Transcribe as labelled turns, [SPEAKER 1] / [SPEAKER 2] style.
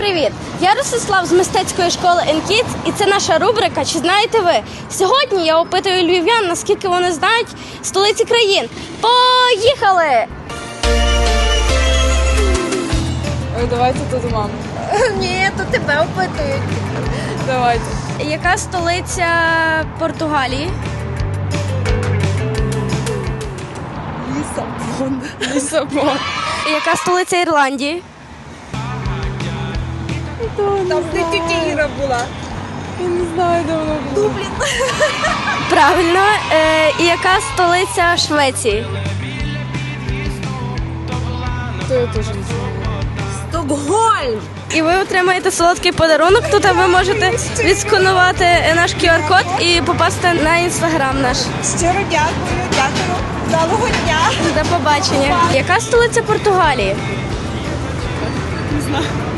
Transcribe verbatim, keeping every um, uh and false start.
[SPEAKER 1] привіт! Я Ростислав з мистецької школи ен-Кідс, і це наша рубрика «Чи знаєте ви?». Сьогодні я опитую львів'ян, наскільки вони знають столиці країн. Поїхали!
[SPEAKER 2] Ой, давайте тут маму.
[SPEAKER 1] Ні, то тебе опитують.
[SPEAKER 2] Давайте.
[SPEAKER 1] Яка столиця Португалії?
[SPEAKER 2] Лісабон. Лісабон.
[SPEAKER 1] Яка столиця Ірландії?
[SPEAKER 2] Там де тітя Іра була. Я не знаю, де вона була. Дублін.
[SPEAKER 1] Правильно. Е, і яка столиця Швеції?
[SPEAKER 2] То я теж не знаю.
[SPEAKER 3] Стокгольм!
[SPEAKER 1] І ви отримаєте солодкий подарунок. Тут ви можете відсканувати наш ку ар код і попасти на інстаграм наш.
[SPEAKER 3] Щиро дякую, дякую. Вдалого дня.
[SPEAKER 1] До побачення. Яка столиця Португалії?
[SPEAKER 2] Не знаю.